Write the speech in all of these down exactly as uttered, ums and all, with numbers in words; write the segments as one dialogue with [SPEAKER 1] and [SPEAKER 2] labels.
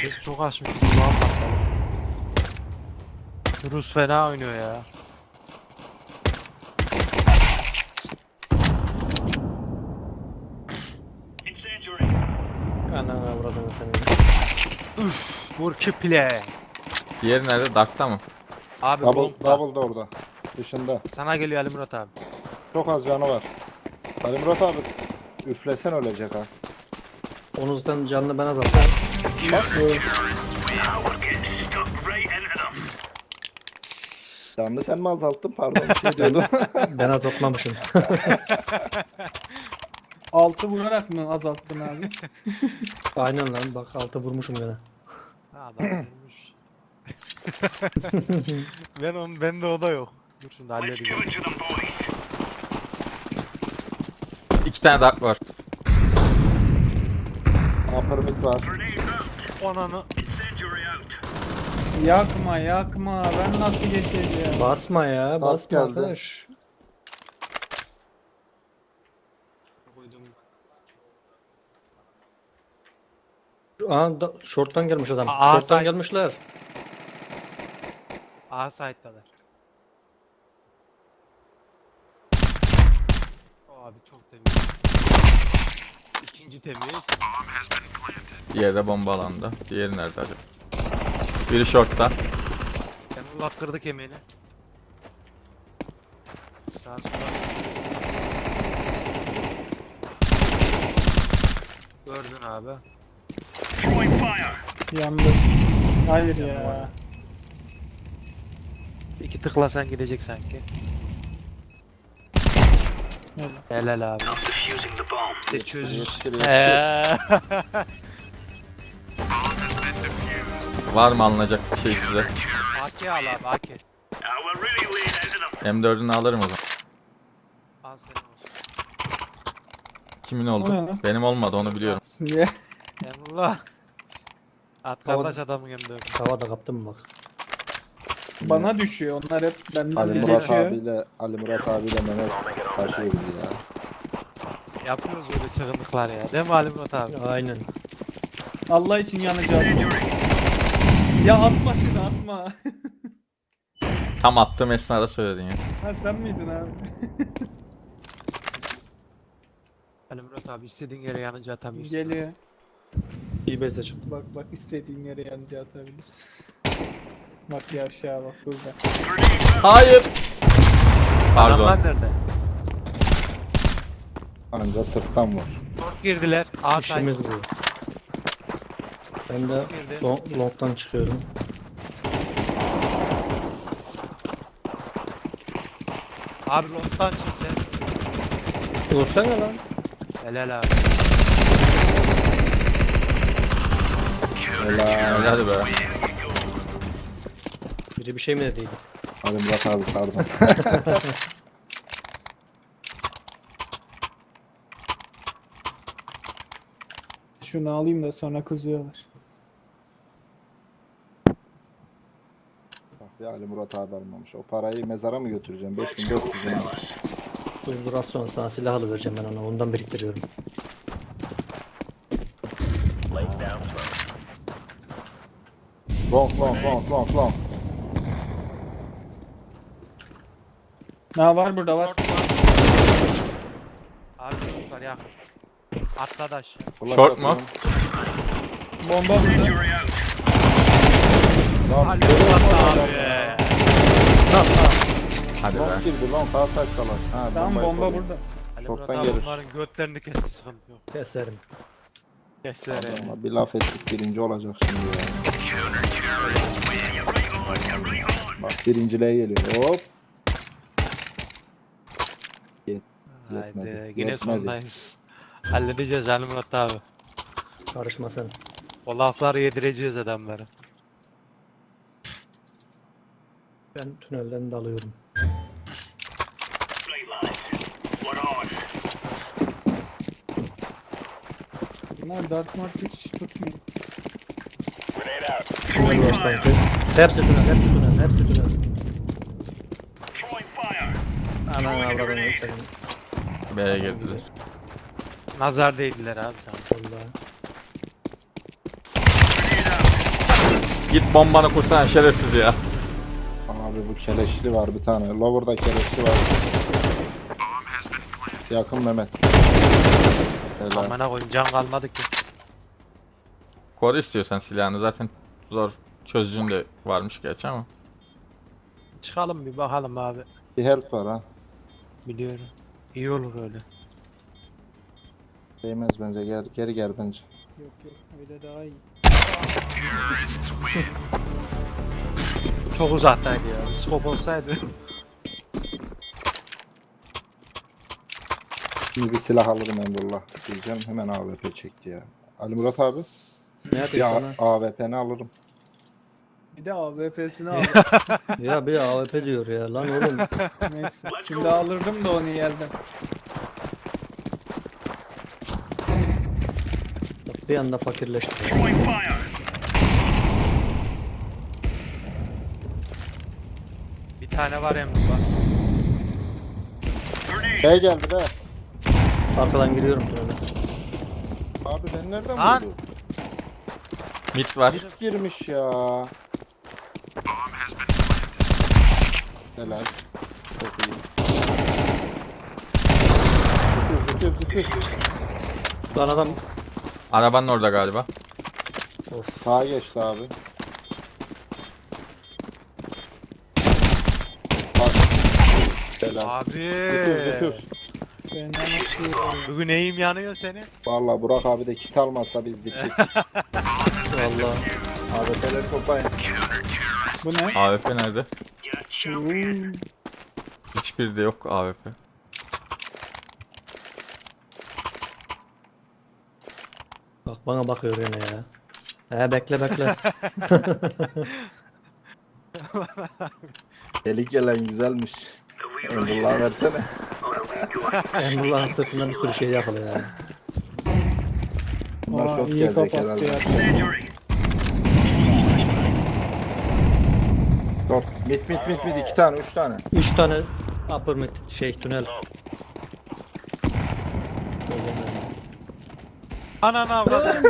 [SPEAKER 1] Ses çok açmış. Kulağım patladı. Rus fena oynuyor ya.
[SPEAKER 2] Anana vurdum seni.
[SPEAKER 1] Üf, vur ki play.
[SPEAKER 3] Diğeri nerede? Dark'ta mı?
[SPEAKER 1] Abi
[SPEAKER 4] Double,
[SPEAKER 1] long'da.
[SPEAKER 4] double da orada. Dışında.
[SPEAKER 1] Sana geliyor Ali Murat abi.
[SPEAKER 4] Çok az canı var. Ali Murat abi üflesen ölecek ha.
[SPEAKER 2] Onu zaten canını ben azalttım.
[SPEAKER 4] Bak bu. Canını sen mi azalttın? Pardon bir şey diyordum.
[SPEAKER 2] Ben azaltmamışım.
[SPEAKER 5] Altı vurarak mı azalttın abi?
[SPEAKER 2] Aynen lan bak altı vurmuşum gene.
[SPEAKER 1] Ha, adam vurmuş. ben onun bende o da yok. Dur şimdi halledeceğim.
[SPEAKER 3] İki tane Dark var.
[SPEAKER 4] Upper mid var.
[SPEAKER 1] Onanı.
[SPEAKER 5] Yakma yakma, ben nasıl geçeceğim?
[SPEAKER 2] Basma ya basma
[SPEAKER 4] geldi.
[SPEAKER 2] arkadaş. Aa da, short'tan gelmiş adam.
[SPEAKER 1] Aa,
[SPEAKER 2] short'tan
[SPEAKER 1] side.
[SPEAKER 2] gelmişler.
[SPEAKER 1] A site'dalar. Abi çok temiz. İkinci temiz.
[SPEAKER 3] Diğeri de bomba alanda. Diğeri nerede acaba? Biri short'ta.
[SPEAKER 1] Emrullah kırdı kemiğini. Sağa sola. Gördün abi.
[SPEAKER 5] Yandı. Hayır ya.
[SPEAKER 1] İki tıklasan gidecek sanki.
[SPEAKER 5] Evet.
[SPEAKER 1] Helal abi. İşte çöz.
[SPEAKER 4] Yetiştir, yetiştir.
[SPEAKER 1] Eee.
[SPEAKER 3] Var mı alınacak bir şey size?
[SPEAKER 1] A K al abi A K.
[SPEAKER 3] M dördünü alırım o zaman.
[SPEAKER 1] Al senin olsun.
[SPEAKER 3] Kimin
[SPEAKER 5] O ne
[SPEAKER 3] oldu?
[SPEAKER 5] lan?
[SPEAKER 3] Benim olmadı onu biliyorum.
[SPEAKER 5] Niye?
[SPEAKER 1] Emrullah. At kardeş adamın yanında.
[SPEAKER 2] Havada kaptım bak.
[SPEAKER 5] Bana düşüyor, onlar hep benden
[SPEAKER 4] Ali
[SPEAKER 5] de
[SPEAKER 4] Murat
[SPEAKER 5] geçiyor.
[SPEAKER 4] abiyle Ali Murat abiyle Mehmet taşıyor bizi ya.
[SPEAKER 1] Yapıyoruz öyle çılgınlıklar ya. Değil mi Ali Murat abi?
[SPEAKER 2] Aynen.
[SPEAKER 5] Allah için yanacağım. Ya atma şunu atma.
[SPEAKER 3] Tam attığım esnada söyledin ya.
[SPEAKER 5] Ha sen miydin abi?
[SPEAKER 1] Ali Murat abi istediğin yere yanınca atamıyorsun.
[SPEAKER 5] Geliyor.
[SPEAKER 2] İyi base çıktı.
[SPEAKER 5] Bak bak istediğin yere yanıcı atabilirsin. Bak ya aşağı bak burada.
[SPEAKER 3] Hayır. Pardon.
[SPEAKER 1] Adamlar nerede?
[SPEAKER 4] Anca sırttan vur.
[SPEAKER 1] Short girdiler. A site.
[SPEAKER 2] İşimiz bu. Ben de
[SPEAKER 1] Girdi.
[SPEAKER 2] long, long'tan çıkıyorum.
[SPEAKER 1] Abi long'tan çık sen.
[SPEAKER 2] Vursana lan.
[SPEAKER 1] Helal abi.
[SPEAKER 4] Helal.
[SPEAKER 3] Hadi be.
[SPEAKER 2] Biri bir şey mi dediydi?
[SPEAKER 4] Ali Murat abi pardon.
[SPEAKER 5] Şunu alayım da sonra kızıyorlar.
[SPEAKER 4] Bak ya Ali Murat abi almamış. O parayı mezara mı götüreceğim? beş bin dört yüz lira.
[SPEAKER 2] Dur biraz sonra sana silah alıvereceğim ben ona. Ondan biriktiriyorum.
[SPEAKER 4] Long long long long long.
[SPEAKER 5] Ha var burada var.
[SPEAKER 1] Abi short var yakın. Atladı aşağı.
[SPEAKER 4] Flash
[SPEAKER 3] Short mu?
[SPEAKER 4] atıyorum.
[SPEAKER 5] Bomba burada.
[SPEAKER 4] Long,
[SPEAKER 1] Ali
[SPEAKER 4] görüyor
[SPEAKER 1] Murat
[SPEAKER 4] musun?
[SPEAKER 1] abi.
[SPEAKER 3] Hadi be.
[SPEAKER 4] Long girdi long sağ saçtalar. Ha,
[SPEAKER 5] Tamam
[SPEAKER 4] bombayı
[SPEAKER 5] bomba
[SPEAKER 4] koruyor.
[SPEAKER 5] burada.
[SPEAKER 1] Ali
[SPEAKER 4] Short'tan
[SPEAKER 1] Murat abi
[SPEAKER 4] gelir.
[SPEAKER 1] bunların götlerini kesti sıkıntı yok.
[SPEAKER 2] Keserim.
[SPEAKER 1] Keser ya.
[SPEAKER 4] Ama bir laf ettik birinci olacak şimdi ya. Bak birinciliğe geliyor. Hop. Yet, yetmedi.
[SPEAKER 1] Haydi yine
[SPEAKER 4] Yetmedi.
[SPEAKER 1] sondayız. Halledeceğiz Ali Murat abi.
[SPEAKER 2] Karışma sen.
[SPEAKER 1] O lafları yedireceğiz adamlara.
[SPEAKER 2] Ben tünelden dalıyorum.
[SPEAKER 5] Bunlar Dark Mark hiç tutmuyor.
[SPEAKER 2] Tünel var sanki. Hepsi tünel, hepsi tünel, hepsi tünel. Anan avradını senin.
[SPEAKER 3] B'ye girdiler.
[SPEAKER 1] Nazar değdiler abi sana.
[SPEAKER 2] Vallahi.
[SPEAKER 3] Git bombanı kursana şerefsiz ya.
[SPEAKER 4] Abi bu keleşli var bir tane. Lower'da keleşli var. Yakın Mehmet. Helal.
[SPEAKER 1] Amına koyayım can kalmadı ki.
[SPEAKER 3] Koru istiyorsan silahını, zaten zor çözücün de varmış gerçi ama.
[SPEAKER 1] Çıkalım bir bakalım abi.
[SPEAKER 4] Bir help var ha.
[SPEAKER 1] Biliyorum. İyi olur öyle.
[SPEAKER 4] Değmez bence. Gel, geri gel bence.
[SPEAKER 5] Yok yok öyle daha iyi.
[SPEAKER 1] Çok uzaktaydı ya. Bir scope olsaydı.
[SPEAKER 4] Şimdi bir silah alırım Emrullah. Diyeceğim hemen A W P çekti ya. Ali Murat abi.
[SPEAKER 2] Ne yapayım
[SPEAKER 4] Ya
[SPEAKER 2] sana?
[SPEAKER 4] A W P'ni alırım.
[SPEAKER 5] Bir de A W P'sini aldım.
[SPEAKER 2] Ya bir A W P diyor ya lan oğlum.
[SPEAKER 5] Neyse. Şimdi alırdım da onu yerden.
[SPEAKER 2] Bak bir anda fakirleşti. ya.
[SPEAKER 1] Bir tane var Emrullah.
[SPEAKER 4] B geldi be.
[SPEAKER 2] Arkadan giriyorum tünele.
[SPEAKER 4] Abi ben nereden
[SPEAKER 1] Lan!
[SPEAKER 4] vurdu?
[SPEAKER 3] Mid var.
[SPEAKER 4] Bir girmiş ya. Helal. Çok iyi. Zıkıyor zıkıyor zıkıyor.
[SPEAKER 2] Lan adam
[SPEAKER 3] Arabanın orada galiba.
[SPEAKER 4] Sağa geçti abi. Bak. Helal.
[SPEAKER 1] Abi.
[SPEAKER 4] Zıkıyoruz zıkıyoruz.
[SPEAKER 5] Ben nasıl
[SPEAKER 1] Bugün neyim yanıyor senin?
[SPEAKER 4] Valla Burak abi de kit almazsa biz bittik.
[SPEAKER 2] valla.
[SPEAKER 4] Abi P'leri toplayın.
[SPEAKER 5] Bu ne?
[SPEAKER 3] A W P nerede?
[SPEAKER 5] Hmm.
[SPEAKER 3] Hiçbiri de yok A W P.
[SPEAKER 2] Bak bana bakıyor yine ya. He bekle bekle.
[SPEAKER 4] Delik gelen güzelmiş. Emrullah versene.
[SPEAKER 2] Emrullah'ın sırtından bir sürü şey yapılıyor yani.
[SPEAKER 4] Bunlar
[SPEAKER 5] Aa,
[SPEAKER 4] şok
[SPEAKER 5] iyi
[SPEAKER 4] gelecek
[SPEAKER 5] kapattı
[SPEAKER 4] herhalde.
[SPEAKER 5] ya.
[SPEAKER 4] Dur. Mit mit mit mit iki tane üç tane.
[SPEAKER 2] Üç tane upper mid şey tünel.
[SPEAKER 1] Ananı avradım.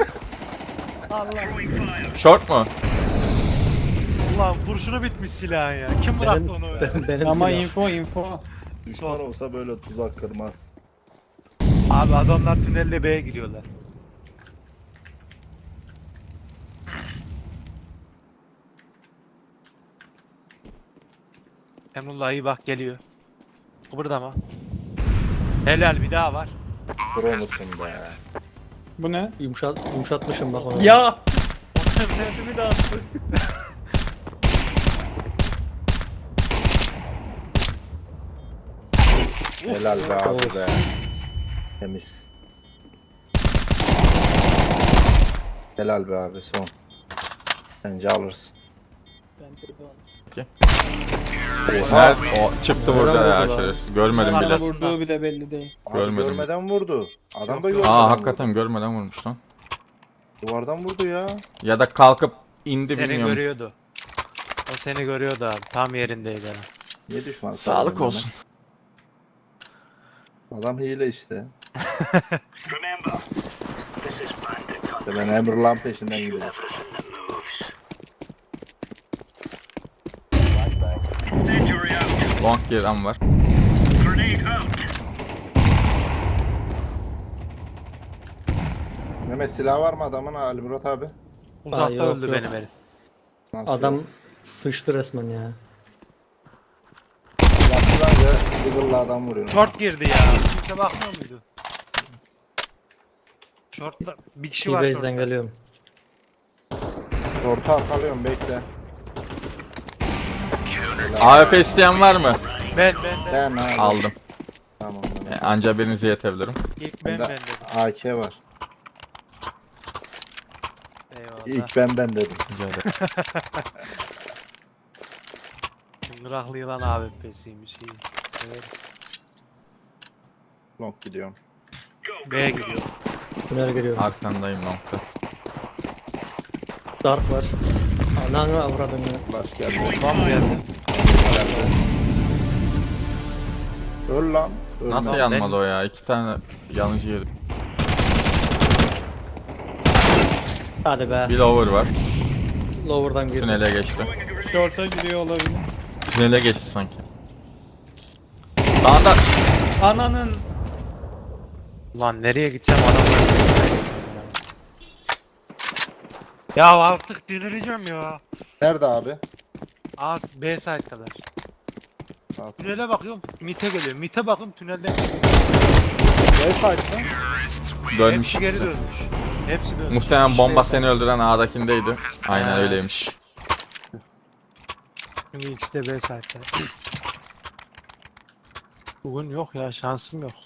[SPEAKER 3] Short mu?
[SPEAKER 1] Ulan kurşunu bitmiş silahın ya. Kim bıraktı
[SPEAKER 2] Benim,
[SPEAKER 1] onu öyle?
[SPEAKER 2] benim, benim
[SPEAKER 5] Ama
[SPEAKER 2] silah.
[SPEAKER 5] info info.
[SPEAKER 4] Düşman olsa böyle tuzak kırmaz.
[SPEAKER 1] Abi adamlar tünelle B'ye giriyorlar. Emrullah iyi bak geliyor. Kıpırdama. Helal bir daha var.
[SPEAKER 4] Pro musun be?
[SPEAKER 5] Bu ne?
[SPEAKER 2] Yumuşat, yumuşatmışım bak onu.
[SPEAKER 5] Ya! Onu de attı.
[SPEAKER 4] Helal be abi be. Temiz. Helal be abi son. Bence alırsın.
[SPEAKER 5] Bence de alır.
[SPEAKER 3] Nerede? O çıktı burada
[SPEAKER 2] Nereden
[SPEAKER 3] ya
[SPEAKER 2] vurdu lan?
[SPEAKER 3] şerefsiz. Görmedim
[SPEAKER 5] Bana
[SPEAKER 3] bile.
[SPEAKER 5] vurduğu bile belli değil.
[SPEAKER 4] Abi
[SPEAKER 3] Görmedim.
[SPEAKER 4] görmeden vurdu. Adam da görmeden
[SPEAKER 3] Aa
[SPEAKER 4] vurdu.
[SPEAKER 3] hakikaten görmeden vurmuş lan.
[SPEAKER 4] Duvardan vurdu ya.
[SPEAKER 3] Ya da kalkıp indi
[SPEAKER 1] Seni
[SPEAKER 3] bilmiyorum.
[SPEAKER 1] görüyordu. O seni görüyordu abi. Tam yerindeydi. ha.
[SPEAKER 4] Niye düşman?
[SPEAKER 3] Sağlık
[SPEAKER 4] sağladın
[SPEAKER 3] olsun.
[SPEAKER 4] lan? Adam hile işte. İşte ben Emrullah'ın peşinden gidiyorum.
[SPEAKER 3] Long giren var.
[SPEAKER 4] Mehmet silah var mı adamın Ali Murat abi?
[SPEAKER 1] Uzakta
[SPEAKER 2] yok,
[SPEAKER 1] öldü
[SPEAKER 2] yok.
[SPEAKER 1] benim herif.
[SPEAKER 4] Nasıl
[SPEAKER 2] Adam
[SPEAKER 4] yok?
[SPEAKER 2] sıçtı resmen ya.
[SPEAKER 4] Yaptılar ya. Diggle'la adam vuruyor.
[SPEAKER 1] Short girdi ya. Kimse bakmıyor muydu? Short'ta bir kişi var
[SPEAKER 2] T-Base'den
[SPEAKER 1] short'ta.
[SPEAKER 2] geliyorum.
[SPEAKER 4] Orta arkalıyorum bekle.
[SPEAKER 3] A W P isteyen var mı?
[SPEAKER 1] Ben ben ben.
[SPEAKER 4] Ben abi.
[SPEAKER 3] Aldım.
[SPEAKER 4] Tamam.
[SPEAKER 3] E,
[SPEAKER 4] Mehmet.
[SPEAKER 3] anca birinizi yetebilirim.
[SPEAKER 1] İlk ben
[SPEAKER 4] Bende
[SPEAKER 1] ben dedim.
[SPEAKER 4] A K var.
[SPEAKER 1] Eyvallah.
[SPEAKER 4] İlk ben ben dedim.
[SPEAKER 3] Rica ederim.
[SPEAKER 1] Çıngıraklı yılan abi pesiymiş iyi. Severim.
[SPEAKER 4] Long gidiyorum.
[SPEAKER 1] B'ye gidiyor.
[SPEAKER 2] Tünel giriyorum.
[SPEAKER 3] Arkandayım longda.
[SPEAKER 2] Dark var. Ananı avradın ya.
[SPEAKER 4] Flash geldi.
[SPEAKER 1] Bomb geldi.
[SPEAKER 4] Öl lan. Öl
[SPEAKER 3] Nasıl
[SPEAKER 4] lan.
[SPEAKER 3] yanmadı o ya? İki tane yanıcı yedim.
[SPEAKER 2] Hadi be.
[SPEAKER 3] Bir lower var.
[SPEAKER 2] lower'dan girdi.
[SPEAKER 3] Tünele geçti.
[SPEAKER 5] Short'a giriyor olabilir.
[SPEAKER 3] Tünele geçti sanki. Sağda.
[SPEAKER 5] Ananın.
[SPEAKER 1] Lan nereye gitsem adamlar. Ya artık delireceğim ya.
[SPEAKER 4] Nerede abi?
[SPEAKER 1] Az B side kadar.
[SPEAKER 4] Sağ-
[SPEAKER 1] Tünele bakıyorum. Mite geliyor. Mite bakıyorum tünelden.
[SPEAKER 4] B site mi?
[SPEAKER 3] Dönmüş.
[SPEAKER 1] Hepsi geri
[SPEAKER 3] ikisi.
[SPEAKER 1] dönmüş. Hepsi dönmüş.
[SPEAKER 3] Muhtemelen bomba
[SPEAKER 1] İşte
[SPEAKER 3] seni öldüren A'dakindeydi. Aynen
[SPEAKER 1] Ha.
[SPEAKER 3] öyleymiş.
[SPEAKER 1] Çünkü ikisi de B side'da. Bugün yok ya, şansım yok.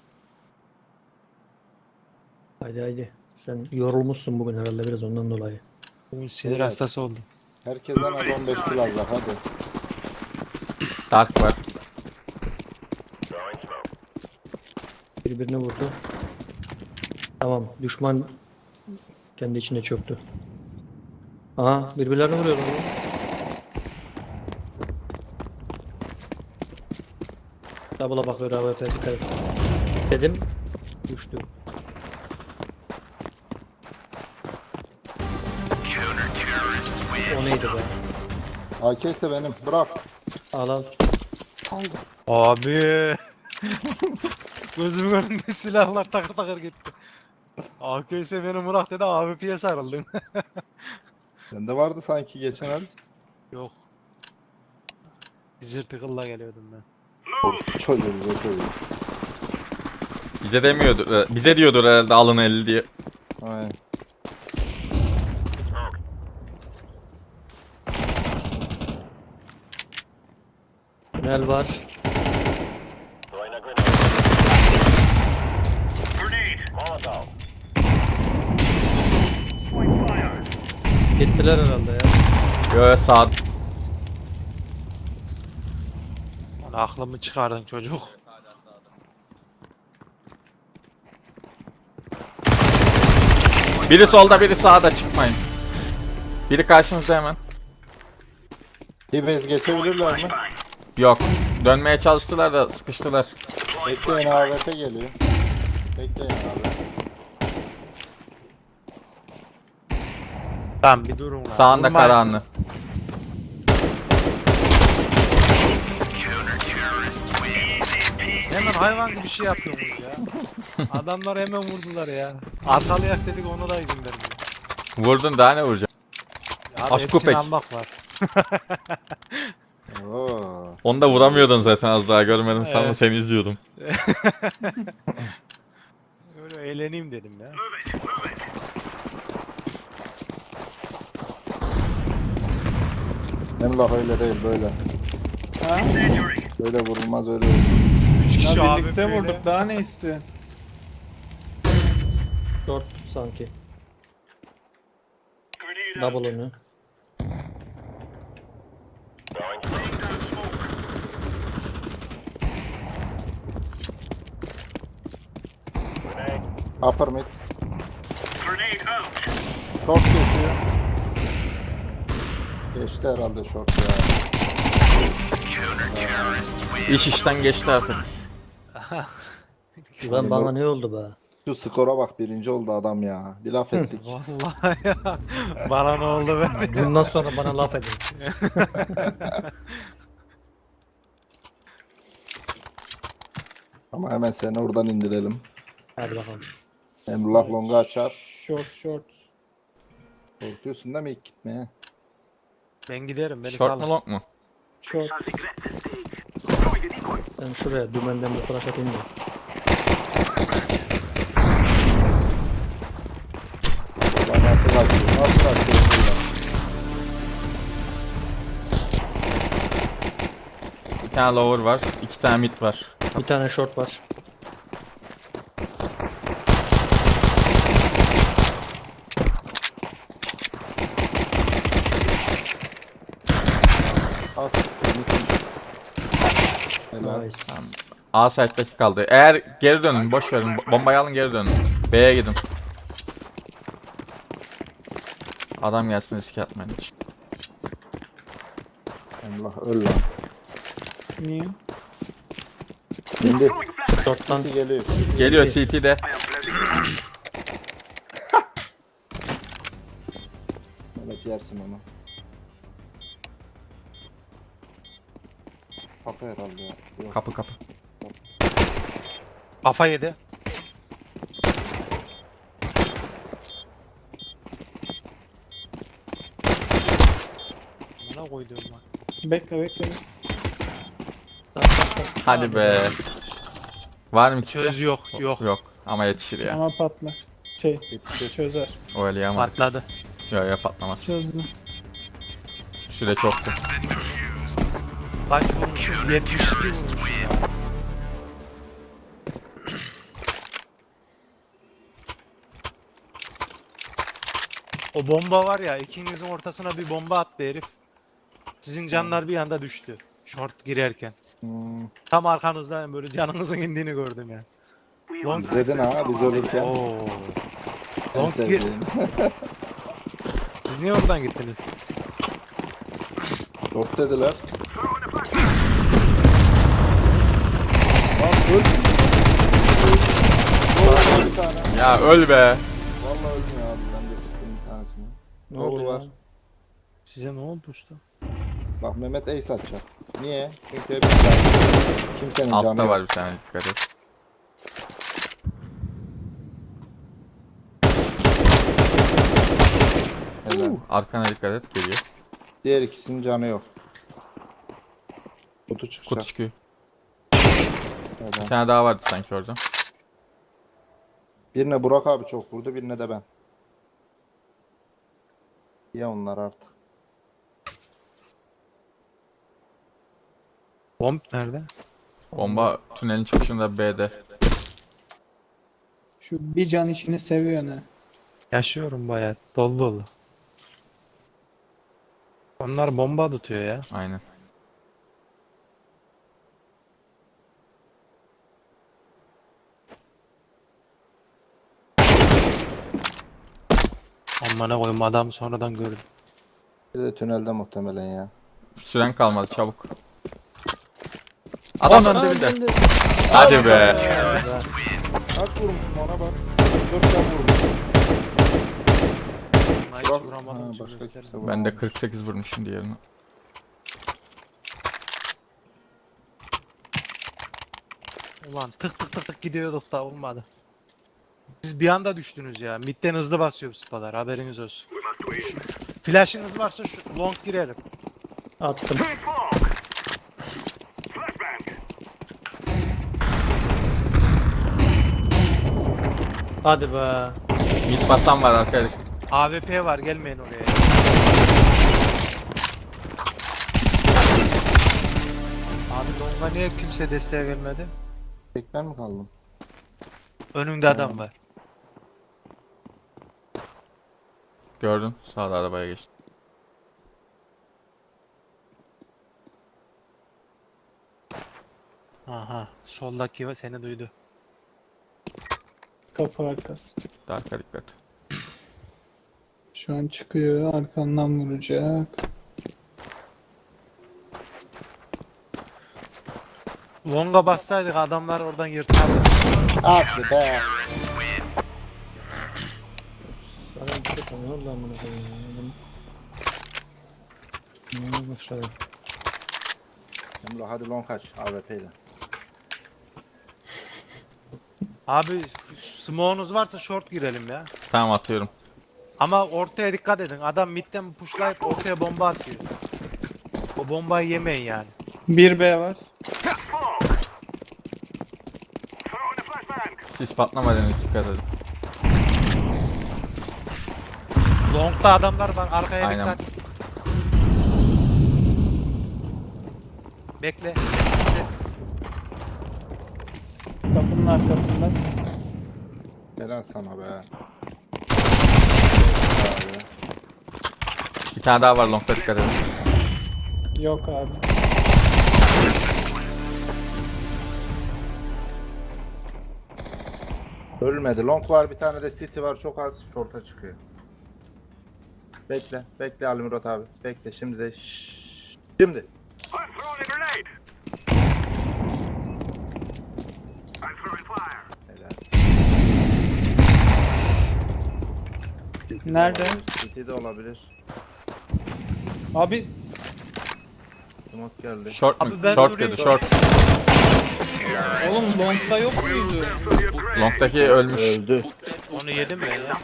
[SPEAKER 2] Haydi haydi. Sen yorulmuşsun bugün herhalde biraz ondan dolayı.
[SPEAKER 1] Bugün sinir
[SPEAKER 4] Evet.
[SPEAKER 1] hastası oldum.
[SPEAKER 4] Herkesten az on beş kill alacak hadi.
[SPEAKER 3] Dark var.
[SPEAKER 2] Birbirini vurdu. Tamam, düşman kendi içine çöktü. Aha, birbirlerini vuruyor lan. Double'a bakıyor A W P, dikkat et. Dedim, düştü. O neydi be?
[SPEAKER 4] A K ise benim. Bırak.
[SPEAKER 2] Al al.
[SPEAKER 1] Abi. Gözümün önünde silahlar takır takır gitti. A K ise beni bırak dedi, A W P'ye sarıldım.
[SPEAKER 4] Sende vardı sanki geçen el.
[SPEAKER 1] Yok. Zır tıkılla geliyordum ben.
[SPEAKER 4] Çocuğu bize çocuğu.
[SPEAKER 3] Bize demiyordur. e, Bize diyordur herhalde alın elli diye.
[SPEAKER 4] Aynen.
[SPEAKER 2] Tünel var. Gittiler herhalde ya.
[SPEAKER 3] Yo sağ.
[SPEAKER 1] Lan aklımı çıkardın çocuk.
[SPEAKER 3] Biri solda biri sağda, çıkmayın. Biri karşınızda hemen.
[SPEAKER 4] T-Base geçebilirler mi?
[SPEAKER 3] Yok. Dönmeye çalıştılar da sıkıştılar.
[SPEAKER 4] Bekleyin A W P geliyor. Bekleyin abi.
[SPEAKER 1] Tamam bir durun lan.
[SPEAKER 3] Sağında
[SPEAKER 1] Vurmayın.
[SPEAKER 3] Karahanlı.
[SPEAKER 1] Hemen hayvan gibi bir şey yapıyorsunuz ya. Adamlar hemen vurdular ya. Arkalayak dedik, ona da izin vermiyor.
[SPEAKER 3] Vurdun, daha ne vuracak?
[SPEAKER 1] Ya
[SPEAKER 3] Aşk
[SPEAKER 1] hepsini
[SPEAKER 3] köpek.
[SPEAKER 1] almak var.
[SPEAKER 4] Oo.
[SPEAKER 3] Onu da vuramıyordun zaten, az daha görmedim sanma,
[SPEAKER 1] Evet.
[SPEAKER 3] seni izliyordum.
[SPEAKER 1] Öyle eğleneyim dedim ya.
[SPEAKER 4] Emrah öyle değil böyle.
[SPEAKER 5] Ha?
[SPEAKER 4] Böyle vurulmaz öyle vurulmaz.
[SPEAKER 1] Üç kişi
[SPEAKER 5] Ya
[SPEAKER 1] abi
[SPEAKER 5] birlikte
[SPEAKER 1] böyle.
[SPEAKER 5] vurduk. Daha ne istiyorsun?
[SPEAKER 2] Short sanki. Double onu.
[SPEAKER 4] Upper mid. Short geçiyor. Geçti herhalde short ya.
[SPEAKER 3] İş işten geçti artık.
[SPEAKER 2] Ulan bana ne oldu be?
[SPEAKER 4] Şu skora bak, birinci oldu adam ya. Bir laf ettik.
[SPEAKER 1] Vallahi ya. Bana ne oldu be?
[SPEAKER 2] Bundan sonra bana laf edin.
[SPEAKER 4] Ama hemen seni oradan indirelim.
[SPEAKER 2] Hadi bakalım.
[SPEAKER 4] Emrullah longa açar.
[SPEAKER 5] Short short.
[SPEAKER 4] Korkuyorsun değil mi ilk gitmeye?
[SPEAKER 1] Ben giderim, beni
[SPEAKER 3] Short mu
[SPEAKER 1] salın.
[SPEAKER 3] long mu?
[SPEAKER 5] Short.
[SPEAKER 2] Sen şuraya dümenden bir flash atayım da.
[SPEAKER 4] Ulan nasıl kaçıyor? Nasıl kaçıyor?
[SPEAKER 3] Bir tane lower var, iki tane mid var.
[SPEAKER 2] Bir tane short var.
[SPEAKER 4] Az. Helal.
[SPEAKER 2] Nice.
[SPEAKER 3] A site'daki kaldı. Eğer geri dönün, boş verin. Bo- Bombayı alın, geri dönün. B'ye gidin. Adam gelsin, riske atmayın hiç.
[SPEAKER 4] Emrullah öl lan.
[SPEAKER 5] Niye?
[SPEAKER 4] Şimdi
[SPEAKER 2] Short'tan
[SPEAKER 4] geliyor.
[SPEAKER 3] Geliyor C T'de.
[SPEAKER 4] Evet yersin onu. Kapı herhalde ya. Yok.
[SPEAKER 3] Kapı kapı.
[SPEAKER 1] Kafa yedi. Bana koydum lan.
[SPEAKER 5] Bekle bekle.
[SPEAKER 3] Hadi be. Var mı
[SPEAKER 1] Çöz
[SPEAKER 3] kiti?
[SPEAKER 1] yok yok.
[SPEAKER 3] Yok ama yetişir ya.
[SPEAKER 5] Ama patlar. Şey
[SPEAKER 4] Bitti.
[SPEAKER 5] çözer.
[SPEAKER 3] O öyle ama.
[SPEAKER 1] Patladı.
[SPEAKER 3] Yok ya patlamaz.
[SPEAKER 5] Çözdü.
[SPEAKER 3] Süre çoktu.
[SPEAKER 1] Kaç vurmuşum? yetmiş iki vurmuşum ya. O bomba var ya, ikinizin ortasına bir bomba attı herif. Sizin canlar bir anda düştü. Short girerken.
[SPEAKER 4] Hmm.
[SPEAKER 1] Tam arkanızdan böyle canınızın indiğini gördüm ya. Long
[SPEAKER 4] İzledin ha biz ölürken.
[SPEAKER 1] Oo.
[SPEAKER 4] En
[SPEAKER 1] Long gir.
[SPEAKER 4] sevdiğim.
[SPEAKER 1] Siz niye oradan gittiniz?
[SPEAKER 4] Short dediler. Lan öl. Öl bir tane.
[SPEAKER 3] Ya öl be.
[SPEAKER 4] Vallahi ölmüyor abi. Ben de sıktım bir tanesini.
[SPEAKER 2] Ne
[SPEAKER 4] Doğru
[SPEAKER 2] oluyor
[SPEAKER 4] var.
[SPEAKER 2] lan?
[SPEAKER 1] Size ne oldu usta?
[SPEAKER 4] Bak Mehmet ace atacak. Niye? Çünkü hep can- kimsenin canı
[SPEAKER 3] Altta
[SPEAKER 4] yok.
[SPEAKER 3] var bir tane, dikkat et.
[SPEAKER 4] Helal.
[SPEAKER 3] Arkana dikkat et, geliyor.
[SPEAKER 4] Diğer ikisinin canı yok. Kutu çıkacak.
[SPEAKER 3] Kutu çıkıyor. Bir
[SPEAKER 4] Helal.
[SPEAKER 3] tane daha vardı sanki orada.
[SPEAKER 4] Birine Burak abi çok vurdu, birine de ben. Ya onlar artık.
[SPEAKER 1] Bomb nerede?
[SPEAKER 3] Bomba tünelin çıkışında B'de.
[SPEAKER 5] Şu bir can işini seviyor ne?
[SPEAKER 1] Yaşıyorum bayağı. Dolu dolu. Onlar bomba tutuyor ya.
[SPEAKER 3] Aynen.
[SPEAKER 1] Amına koyayım, adam sonradan gördüm.
[SPEAKER 4] Bir de tünelde muhtemelen ya.
[SPEAKER 3] Süren kalmadı, çabuk. Adam önde bir de.
[SPEAKER 2] Önde.
[SPEAKER 3] Hadi be.
[SPEAKER 4] Kaç vurmuşum ona bak. Dört can vurmuşum.
[SPEAKER 1] Buna hiç
[SPEAKER 4] Burak-
[SPEAKER 1] vuramadım.
[SPEAKER 4] Ha,
[SPEAKER 1] hiç
[SPEAKER 4] başka
[SPEAKER 1] göstermedim.
[SPEAKER 4] kimse
[SPEAKER 3] Ben de
[SPEAKER 4] vuramadı.
[SPEAKER 3] kırk sekiz vurmuşum diğerini.
[SPEAKER 1] Ulan tık tık tık tık gidiyorduk da olmadı. Siz bir anda düştünüz ya. Midden hızlı basıyor bu spalar, haberiniz olsun. Flash'ınız varsa şu long girelim.
[SPEAKER 2] Attım. Hadi be.
[SPEAKER 3] Mid basan var arkaya.
[SPEAKER 1] A W P var, gelmeyin oraya. Abi longa niye kimse desteğe gelmedi?
[SPEAKER 4] Tek ben mi kaldım?
[SPEAKER 1] Önünde adam var.
[SPEAKER 3] Gördün, sağda arabaya geçti.
[SPEAKER 1] Aha, soldaki seni duydu.
[SPEAKER 5] Kapı arkası.
[SPEAKER 3] Arka dikkat.
[SPEAKER 5] Şu an çıkıyor. Arkandan vuracak.
[SPEAKER 1] Longa bassaydık adamlar oradan yırtardı.
[SPEAKER 4] Hadi be.
[SPEAKER 2] Sana bir şey tanıyor lan bunu koyayım ya. Adam- Ne başladı?
[SPEAKER 4] Emre hadi long kaç A W P ile.
[SPEAKER 1] Abi smoke'unuz varsa short girelim ya.
[SPEAKER 3] Tamam, atıyorum.
[SPEAKER 1] Ama ortaya dikkat edin. Adam midden pushlayıp ortaya bomba atıyor. O bombayı yemeyin yani.
[SPEAKER 5] Bir B var.
[SPEAKER 3] Siz patlamadınız, dikkat edin.
[SPEAKER 1] Long'da adamlar var. Arkaya
[SPEAKER 3] Aynen.
[SPEAKER 1] dikkat. Bekle. Sessiz.
[SPEAKER 5] Kapının arkasında.
[SPEAKER 4] Helal sana be. Abi.
[SPEAKER 3] Bir tane daha var longda, dikkat edin.
[SPEAKER 5] Yok abi.
[SPEAKER 4] Ölmedi. Long var, bir tane de city var. Çok az short'a çıkıyor. Bekle. Bekle Ali Murat abi. Bekle. Şimdi de şşş. Şimdi. Helal. City de
[SPEAKER 5] Nerede?
[SPEAKER 4] olabilir, City de olabilir.
[SPEAKER 5] Abi
[SPEAKER 4] Smoke geldi.
[SPEAKER 3] Short mu?
[SPEAKER 1] Abi ben
[SPEAKER 3] Short
[SPEAKER 1] sorayım.
[SPEAKER 3] dedi short.
[SPEAKER 5] Oğlum long'da yok muydu?
[SPEAKER 3] Long'daki ölmüş.
[SPEAKER 4] Öldü.
[SPEAKER 1] Onu yedim ben ya.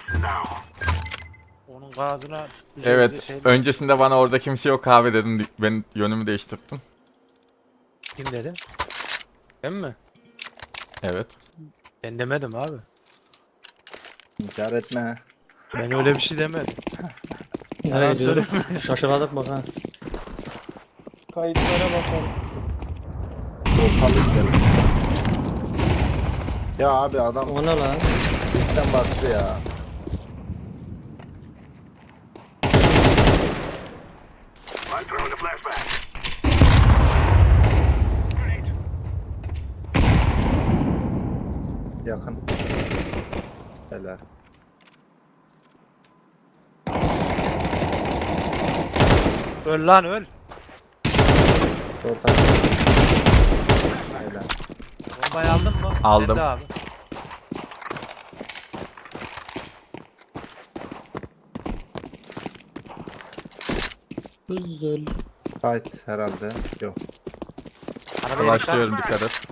[SPEAKER 1] Onun gazına
[SPEAKER 3] Evet.
[SPEAKER 1] şey,
[SPEAKER 3] Öncesinde bana orada kimse yok abi dedin. Ben yönümü değiştirdim.
[SPEAKER 1] kim dedim? Ben mi?
[SPEAKER 3] Evet.
[SPEAKER 1] Ben demedim abi.
[SPEAKER 4] İnkar etme.
[SPEAKER 1] Ben öyle bir şey demedim.
[SPEAKER 2] Nereye
[SPEAKER 1] Yalan
[SPEAKER 2] gidiyoruz?
[SPEAKER 1] söyleme.
[SPEAKER 2] Şaşırdık bak ha.
[SPEAKER 5] Kayıtlara bakalım.
[SPEAKER 4] Ortalı gidelim. Ya abi adam
[SPEAKER 2] O ne lan?
[SPEAKER 4] ilkten bastı ya. Yakın. Helal.
[SPEAKER 1] Öl lan öl.
[SPEAKER 4] Orta. Helal.
[SPEAKER 1] Bombayı aldın mı?
[SPEAKER 3] Aldım.
[SPEAKER 1] Sen de abi.
[SPEAKER 2] Güzel.
[SPEAKER 4] Fight herhalde. Yok.
[SPEAKER 1] Arabaya dikkat.
[SPEAKER 3] Başlıyorum dikkat et.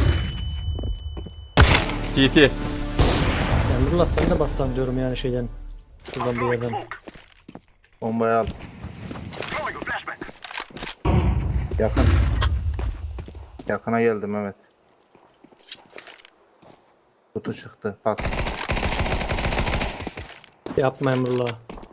[SPEAKER 3] C T.
[SPEAKER 2] Emrullah sen de bassan diyorum yani şeyden. Şuradan bir yerden.
[SPEAKER 4] Bombayı al. Yakın. Yakına geldim evet. Kutu çıktı. Bak.
[SPEAKER 2] Yapma Emrullah.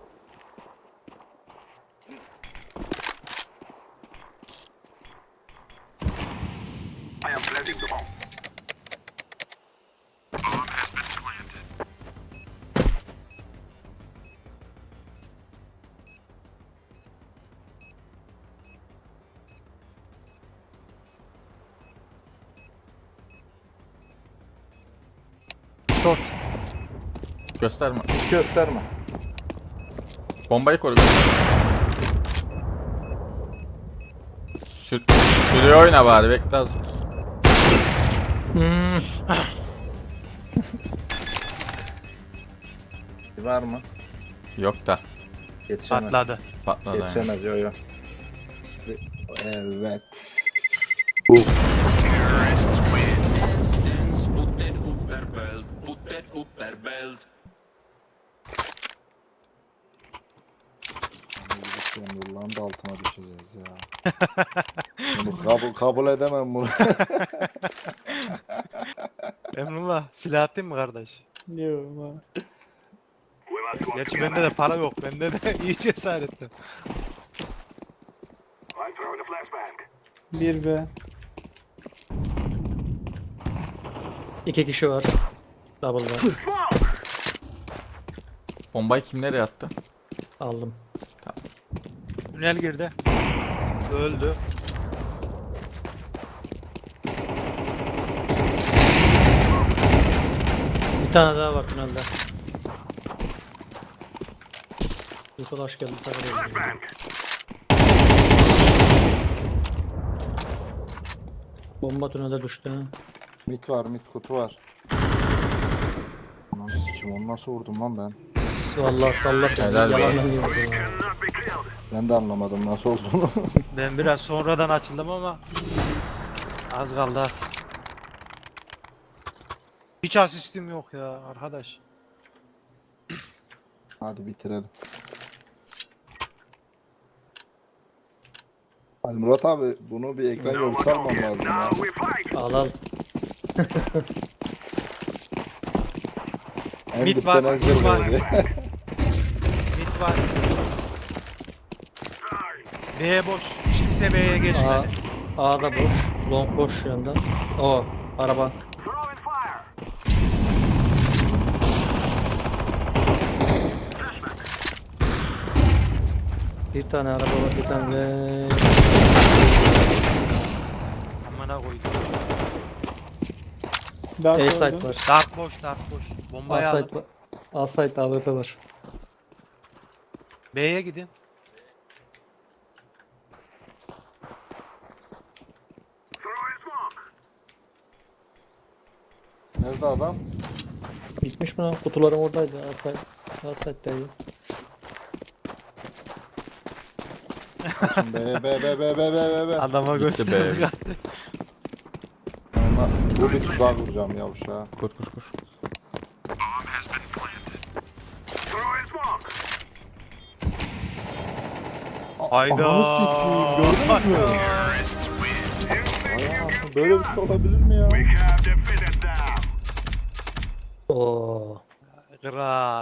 [SPEAKER 1] Short.
[SPEAKER 3] Gösterme.
[SPEAKER 4] Gösterme.
[SPEAKER 3] Bombayı koru. Sür Sürüyor oyna bari bekle az.
[SPEAKER 2] Hmm.
[SPEAKER 4] Var mı?
[SPEAKER 3] Yok da.
[SPEAKER 4] Yetişemez.
[SPEAKER 1] Patladı.
[SPEAKER 3] Patladı yani.
[SPEAKER 4] Yetişemez yo yo. Evet. Nurlan da altına düşeceğiz ya. Bunu kabul, kabul edemem bunu.
[SPEAKER 1] Emrullah silah attın mı kardeş?
[SPEAKER 5] Yok ama.
[SPEAKER 1] Gerçi bende de para yok. Bende de iyi cesaretim.
[SPEAKER 5] Bir be.
[SPEAKER 2] İki kişi var. Double'da.
[SPEAKER 3] Bombayı kim nereye attı?
[SPEAKER 2] Aldım.
[SPEAKER 1] Tünel girdi. Öldü.
[SPEAKER 2] Bir tane daha var tünelde. Yusuf hoş geldin. Takılıyorum. Bomba tünelde düştü. ha.
[SPEAKER 4] Mit var, mit kutu var. Lan sikim onu nasıl vurdum lan ben?
[SPEAKER 2] Vallahi sallar.
[SPEAKER 3] Helal be.
[SPEAKER 2] Yalandan diyorsun ya.
[SPEAKER 4] Ben de anlamadım nasıl olduğunu.
[SPEAKER 1] Ben biraz sonradan açıldım ama az kaldı az. Hiç asistim yok ya arkadaş.
[SPEAKER 4] Hadi bitirelim. Ali Murat abi bunu bir ekran görüntüsü almam lazım ya.
[SPEAKER 2] Al al.
[SPEAKER 4] En
[SPEAKER 1] Mit
[SPEAKER 4] dipten
[SPEAKER 1] var,
[SPEAKER 4] en
[SPEAKER 1] mit var.
[SPEAKER 4] zirveydi.
[SPEAKER 1] Mid var. B boş. Kimse B'ye
[SPEAKER 2] A,
[SPEAKER 1] geçmedi.
[SPEAKER 2] A'da boş. Long boş şu anda. O araba. Bir tane araba var, bir tane ve
[SPEAKER 1] Amına koydum.
[SPEAKER 5] Dark
[SPEAKER 2] A
[SPEAKER 5] öldü.
[SPEAKER 2] site var.
[SPEAKER 1] Dark boş, dark boş. Bombayı
[SPEAKER 2] A
[SPEAKER 1] alın.
[SPEAKER 2] site var. A site A W P var.
[SPEAKER 1] B'ye gidin.
[SPEAKER 4] Nerede adam?
[SPEAKER 2] Gitmiş mi lan? Kutularım oradaydı. A site. A site'deydi.
[SPEAKER 4] Be be be be be be be.
[SPEAKER 1] Adama
[SPEAKER 3] Gitti
[SPEAKER 1] gösterdi.
[SPEAKER 3] be.
[SPEAKER 4] Ama bu bir tuzak vuracağım ya uşağa.
[SPEAKER 3] Kur kur kur.
[SPEAKER 1] Hayda.
[SPEAKER 4] Ananı sikeyim, gördünüz mü? Vay anasını, böyle bir şey olabilir mi ya?
[SPEAKER 2] Oo.
[SPEAKER 1] Kral.